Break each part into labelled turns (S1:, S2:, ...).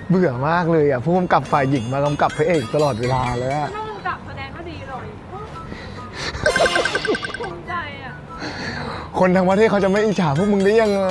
S1: เบื่อมากเลยอ่ะผู้กำกับฝ่ายหญิงมากำกับพระเอกตลอดเวลาเลยอ่ะ
S2: ผู้กำกับแสดงก็ดีเลยภูมิใจอ่ะ
S1: คนทั้งประเทศเขาจะไม่อิจฉาพวกมึงได้ยังไง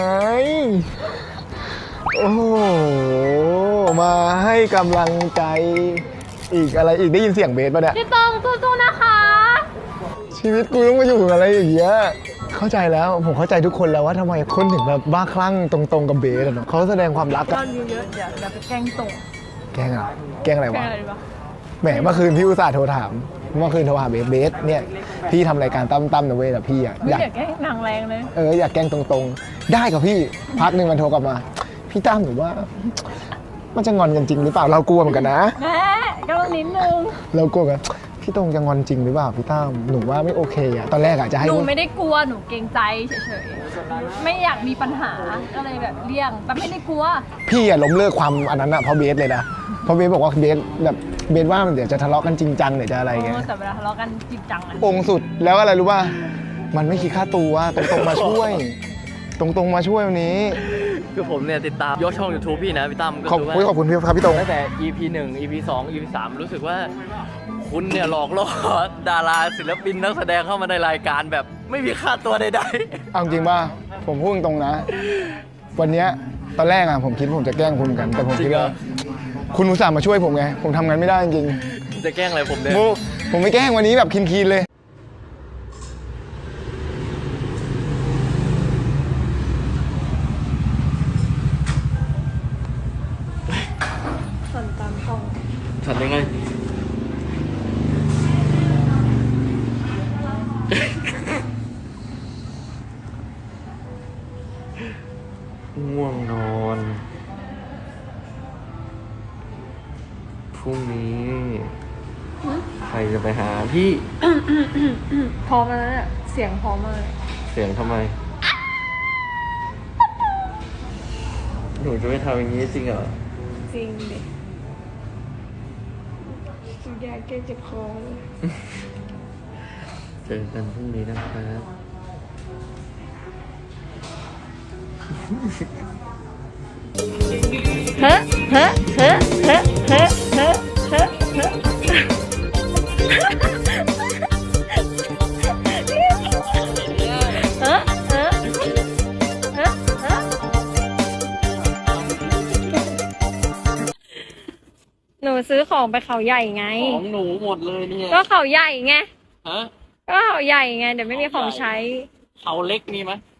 S1: โอ้โหมาให้กำลังใจอีกอะไรอีกได้ยินเสียงเบสป่ะเนี่ย
S2: พี่ตองสู้ๆนะคะ
S1: ชีวิตกูต้องมาอยู่กับอะไรอย่างเงี้ยเข้าใจแล้วผมเข้าใจทุกคนแล้วว่าทำไมคนถึงแบบบ้าคลั่งตรงๆกับเบสอะเนาะเขาแสดงความรัก
S2: ยอ
S1: อะ
S2: ดวิวเยอะเดี๋ยวไปแกล้งตรง
S1: แกล้งอะแกล้งอะไร
S2: แกล้
S1: วะ
S2: งอะไรดีวะ
S1: แหมเมื่อคืนพี่อุตส่าห์โทรถามเมื่อคืนโทรหาเบสเนี่ยพี่ทำรายการตั้มนะเว้ยแต่พี่อะ
S2: ไม่อยากแกล้งนางแรงเลย
S1: อยากแกล้งตรงๆได้กับพี่พักหนึ่งมันโทรกลับมาพี่ตั้มหนูว่า มันจะงอนกันจริงหรือเปล่าเรากลัวเหมือนกันนะ
S2: แม่ก็ต้องนิดนึง
S1: เรากลัวกันพี่ตรงจะงอนจริงหรือเปล่าพี่ตั้มหนูว่าไม่โอเคอะตอนแรกอะจะให้
S2: หนูไม่ได้กลัวหนูเกรงใจเฉยๆไม่อยากมีปัญหาก็เลยแบบเลี่ยงแต่ไม่ได้กลัว
S1: พี่อะล้มเลิกความอันนั้นอะเพราะเบสเลยนะเพราะเบสบอกว่าเบสแบบเบสว่าเดี๋ยวจะทะเลาะกันจริงจังเดี๋ยวจะอะไรเงี้ย
S2: แต่เวลาทะเลาะกันจริงจังอะ
S1: องค์สุดแล้วอะไรรู้ป่ะมันไม่คิดค่าตัวตรงๆมาช่วย ตรงๆมาช่วยวันนี้
S3: คือผมเนี่ยติดตามยกช่อง YouTube พี่นะพี่ตั้มก็
S1: ขอบ
S3: คือว่า
S1: คุณพี่ครับพี่ตรง
S3: ตั้งแต่ EP 1 EP 2 EP 3รู้สึกว่าคุณเนี่ยหลอกล่อดาราศิลปินนักแสดงเข้ามาในรายการแบบไม่มีค่าตัวใด
S1: เอาจริงป่ะผมพูดตรงๆนะ วันเนี้ยตอนแรกอะผมคิดว่าผมจะแกล้งคุณเหมือนกัน แต่ผมคิดว่าคุณอุตส่าห์มาช่วยผมไงผมทำงานไม่ได้จริง
S3: ๆจะแกล้งอะไรผมเนี่ย
S1: ผมไม่แกล้งวันนี้แบบคีนๆเลย
S3: ฉันยังไงง่วงนอนพรุ่งนี้ใครจะไปหาพี่
S2: พร้อมแล้วเนี่ยเสียงพร้อมมาก
S3: เสียงทำไม หนูจะไม่ทำอย่างนี้จริงเหรอ
S2: จริงดิอยากแก้เจ็บคอเลย
S3: เจอกันพรุ่งนี้นะครับ
S2: เฮ้เฮ้เฮ้เฮ้เฮ้เฮ้เฮ้เฮ้หนูซื้อของไปเขาใหญ่ไง
S3: ของหนูหมดเลยเนี่ย
S2: ก็เขาใหญ่ไง
S3: ฮะ
S2: ก็เขาใหญ่ไง เดี๋ยวไม่มีของใช้
S3: เขาเล็กมีไหม